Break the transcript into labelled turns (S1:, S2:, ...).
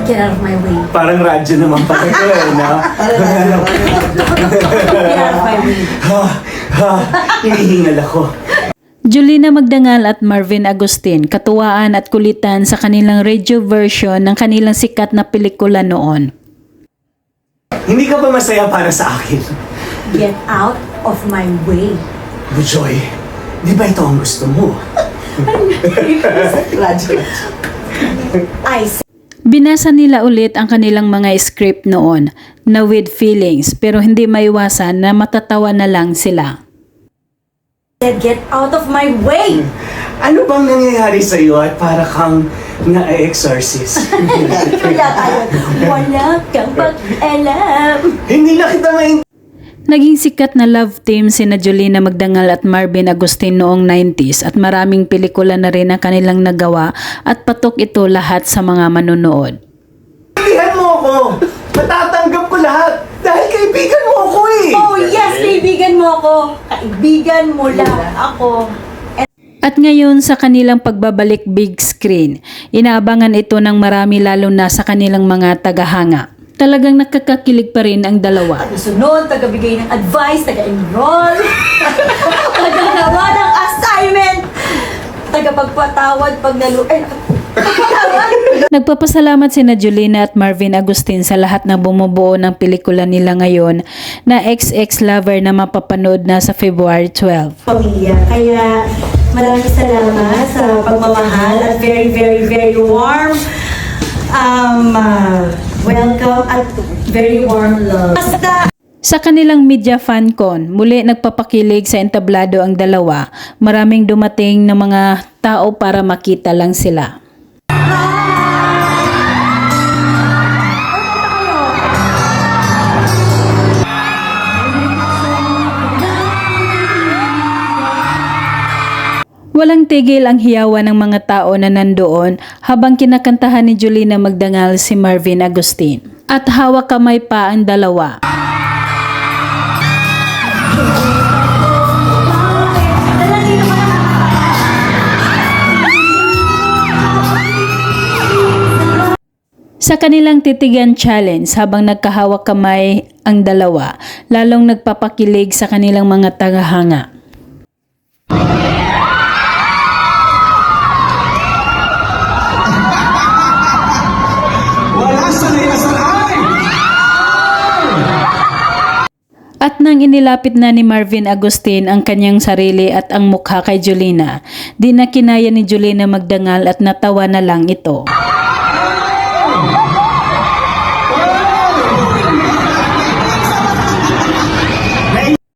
S1: Get out of my way.
S2: Parang radyo naman pala ito no?
S1: Get out of my way.
S2: Hinihingal ako.
S3: Julina Magdangal at Marvin Agustin, katuwaan at kulitan sa kanilang radio version ng kanilang sikat na pelikula noon.
S2: Hindi ka ba masaya para sa akin?
S1: Get out of my way.
S2: Bujoy, di ba ito ang gusto mo?
S1: I
S3: Binasa nila ulit ang kanilang mga script noon na with feelings pero hindi maiwasan na matatawa na lang sila.
S1: said, get out of my way.
S2: Ano bang nangyayari sa iyo at para kang na-exorcist?
S1: Wala kang pag-alam.
S2: Hindi na kita maintindihan.
S3: Naging sikat na love team sina Julina Magdangal at Marvin Agustin noong 90s at maraming pelikula na rin ang kanilang nagawa at patok ito lahat sa mga manonood.
S2: Sabihan mo ako! Matatanggap ko lahat! Dahil kaibigan mo ako eh!
S1: Oh yes, kaibigan mo ako. Kaibigan mo lang ako.
S3: At ngayon sa kanilang pagbabalik big screen, inaabangan ito ng marami lalo na sa kanilang mga tagahanga. Talagang nakakakilig pa rin ang dalawa.
S1: Sunod, taga-bigay ng advice, taga-enroll, taga-gawa ng assignment, taga-pagpatawad pag
S3: Nagpapasalamat sina Julina at Marvin Agustin sa lahat na bumubuo ng pelikula nila ngayon na XX Lover na mapapanood na sa February 12.
S1: Pamilya. Kaya maraming salamat sa pagmamahal at very, very, very warm welcome at very warm love. Basta
S3: Sa kanilang media fan con, muli nagpapakilig sa entablado ang dalawa. Maraming dumating na mga tao para makita lang sila. Walang tigil ang hiyawan ng mga tao na nandoon habang kinakantahan ni Julina Magdangal si Marvin Agustin. At hawak kamay pa ang dalawa. Sa kanilang titigan challenge habang nagkahawak kamay ang dalawa, lalong nagpapakilig sa kanilang mga tagahanga. At nang inilapit na ni Marvin Agustin ang kanyang sarili at ang mukha kay Julina, di na kinaya ni Julina Magdangal at natawa na lang ito.